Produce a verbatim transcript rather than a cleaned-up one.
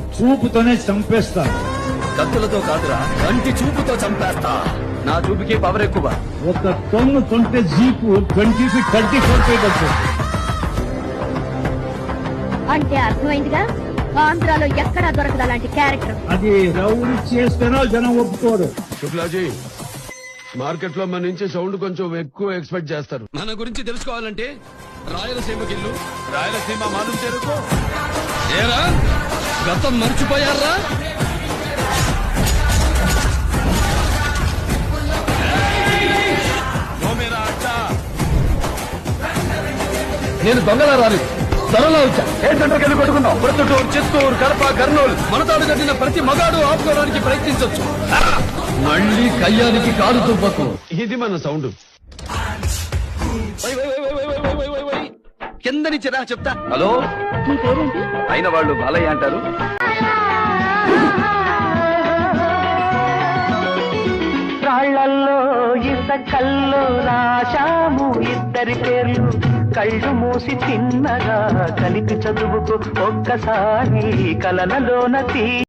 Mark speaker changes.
Speaker 1: చూపుతోనే చంపేస్తా.
Speaker 2: కత్తులతో కాదురా, కంటి చూపుతో చంపేస్తా. నా చూపుకి పవర్ ఎక్కువ.
Speaker 1: ఒక టన్ను కొంటే jeep twenty feet thirty four feet వస్తుంది.
Speaker 3: అంటే అర్థమైందిగా, ఆంధ్రాలో ఎక్కడా దొరకదు అలాంటి క్యారెక్టర్.
Speaker 1: అది రౌండ్ చేస్తేనో జనం ఒప్పుకోరు.
Speaker 4: శుక్లాజీ, మార్కెట్ లో మన నుంచి సౌండ్ కొంచెం ఎక్కువ ఎక్స్పెక్ట్ చేస్తారు.
Speaker 2: మన గురించి తెలుసుకోవాలంటే రాయలసీమకి ఇల్లు, రాయలసీమ మానం చేరుకో. ఏరా గతం మర్చిపోయారా? నేను దొంగలా రాలేదు, ధరలో వచ్చా. ఏ సెంటర్కి వెళ్ళి కొట్టుకున్నాం. ప్రొద్దుటూరు, చిత్తూరు, కడప, కర్నూలు, మనతాడు కట్టిన ప్రతి మగాడు ఆపుకోవడానికి ప్రయత్నించవచ్చు. మళ్ళీ కయ్యానికి కాలు తుప్పకు.
Speaker 4: ఇది మన సౌండ్.
Speaker 2: కింద నుంచి రా చెప్తా. హలో,
Speaker 3: మీ పేరేంటి?
Speaker 2: అయిన వాళ్ళు బాలయ్య అంటారు.
Speaker 5: రాళ్లల్లో ఇసకల్లో రాశాము ఇద్దరి పేర్లు. కళ్ళు మూసి తిన్నగా కలిపి చదువుకు ఒక్కసారి కలనలోన తీ